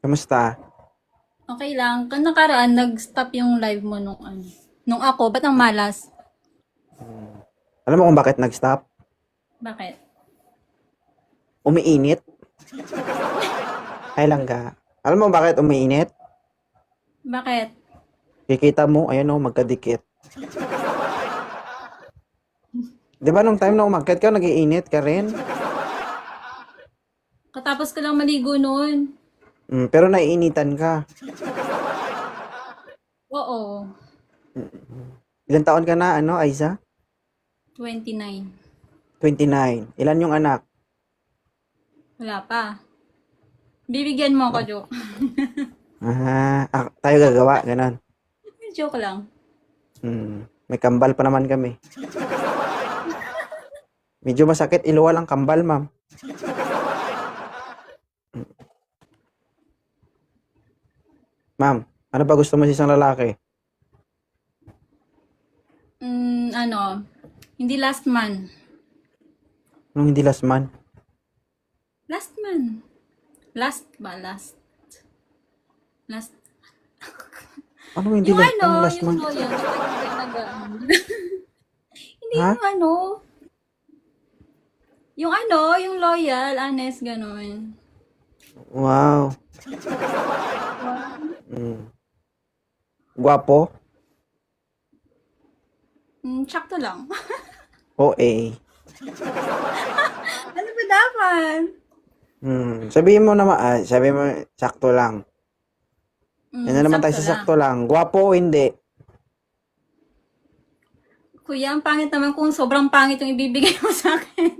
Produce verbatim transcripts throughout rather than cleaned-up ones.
Kamusta? Okay lang. Kan nakaraan, nag-stop yung live mo nung ano. Nung ako, ba't ang malas? Alam mo kung bakit nag-stop? Bakit? Umiinit? Ay lang ka. Alam mo bakit umiinit? Bakit? Kikita mo, ayan o, magkadikit. Di ba nung time na umakyat ka, nag-iinit ka rin? Katapos ko lang maligo noon. Mm, pero naiinitan ka. Oo. Ilan taon ka na, ano, Aiza? twenty-nine. twenty-nine. Ilan yung anak? Wala pa. Bibigyan mo ako, joke. Ah, ah, tayo gagawa, ganon. Joke lang. Hmm, may kambal pa naman kami. Medyo masakit, iluwal ang kambal, ma'am. Ma'am, ano ba gusto mo sa isang lalaki? Mm, ano, hindi last man. Nung hindi last man? Last man. Last ba? Last. Last. Ano hindi Yung last, ano, anong last yung man? loyal. Tsaka hindi nag Hindi Ha? yung ano. Yung ano, yung loyal, honest, ganun. Wow. Mm. Guwapo? Mm, tsakto lang. O A. Ano ba dapat? Hmm. Sabihin mo naman, ah, sabihin mo, sakto lang. Mm, Yan na naman tayo sakto sa lang. sakto lang. Guwapo o hindi? Kuya, ang pangit naman kung sobrang pangit yung ibibigay mo sa akin.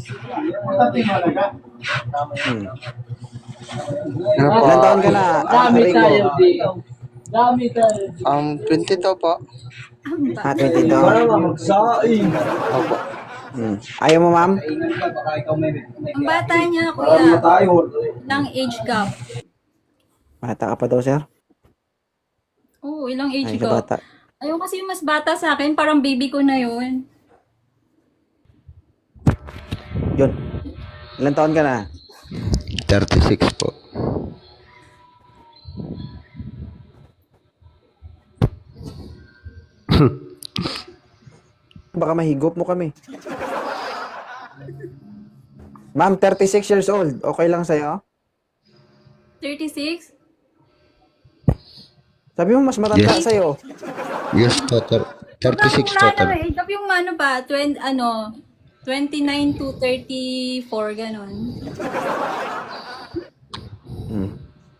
Hmm. Ano po? Ilan taon ka na, ah, Dami Rico? tayo dito. Dami tayo dito. Um, twenty-two po. Ang Ah, ba? twenty-two. Para magsaing. Opo. Hmm. Ayaw mo, ma'am? Ang bata niya, Para kuya. tayo. Ilang age gap? Bata ka pa daw, sir? Oo, ilang age Ay, ka gap. bata. Ayaw kasi yung mas bata sa akin, parang baby ko na yun. Yun. Ilan taon ka na? thirty-six po. Baka mahigop mo kami. Ma'am, thirty-six years old. Okay lang sa'yo? thirty-six? Sabi mo, mas matanda Yes. sa'yo. Yes po. thir- thirty-six Wala total. na age gap yung ano ba, twenty, ano, twenty-nine to thirty-four, ganun. Hmm.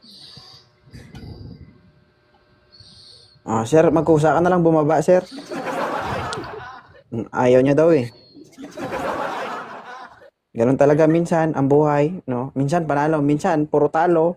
Ah, sir, magkusa ka na lang bumaba, sir. Hmm, Ayaw niya daw eh. Ganun talaga minsan ang buhay, no? Minsan panalo, minsan puro talo.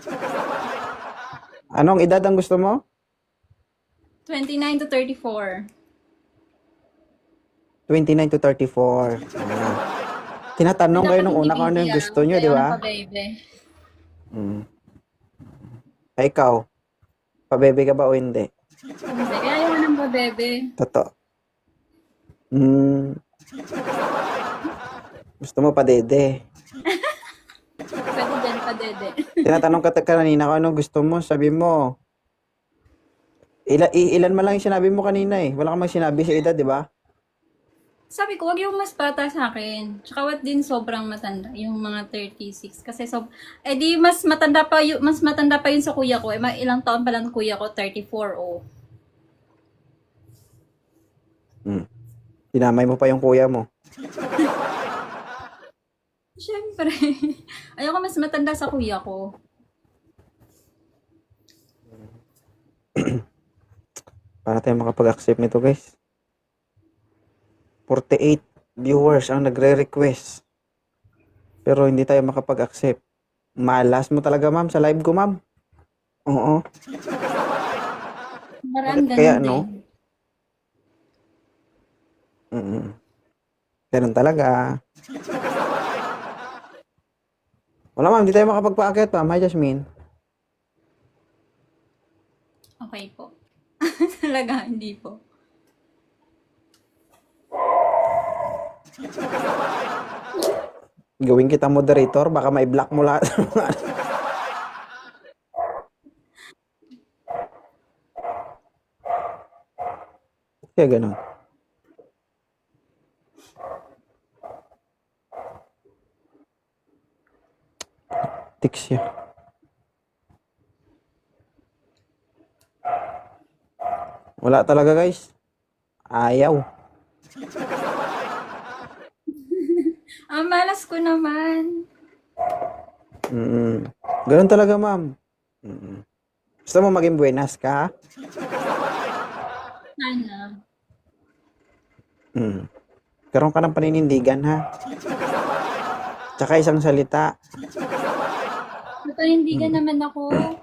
Anong edad ang gusto mo? twenty-nine to thirty-four. twenty-nine to thirty-four. Ah. Tinatanong kayo nung una kung ano yung gusto nyo, di ba? Baby. Hmm. Ay, ikaw, pabebe ka ba o hindi? Hindi, kaya ayaw ng babebe. Totoo. Hmm. Gusto mo padede. Pwede din, padede. Tinatanong ka ta- kanina kung anong gusto mo, sabi mo. Ila, i- ilan man lang yung sinabi mo kanina eh. Wala kang mang sinabi sa edad, di ba? Sabi ko, wag yung mas bata sa akin. Tsaka wag din sobrang matanda, yung mga thirty-six. Kasi so, eh di mas matanda pa yung, mas matanda pa yun sa kuya ko. Eh, ma- ilang taon pa lang kuya ko, thirty-four, oh. Hmm. Dinamay mo pa yung kuya mo. Siyempre. Ayoko mas matanda sa kuya ko. Para tayo makapag-accept nito, guys. forty-eight viewers ang nagre-request. Pero hindi tayo makapag-accept. Malas mo talaga, ma'am, sa live ko, ma'am. Oo. Parang Bakit kaya, ganun no? din. Mm. Ganun talaga. Wala, ma'am, hindi tayo makapagpa-akit, ma'am. Hi, Jasmine. Okay po. Talaga, hindi po. Gawin kita moderator, baka may block mo lahat. Kaya ganun. Tiks siya. Wala talaga guys. Ayaw. Ang malas ko naman. Mm. Ganun talaga, ma'am. Mm. Gusto mo maging buenas ka, ha? Sana. Mm. Karoon ka ng paninindigan, ha? Tsaka isang salita. Papanindigan naman ako.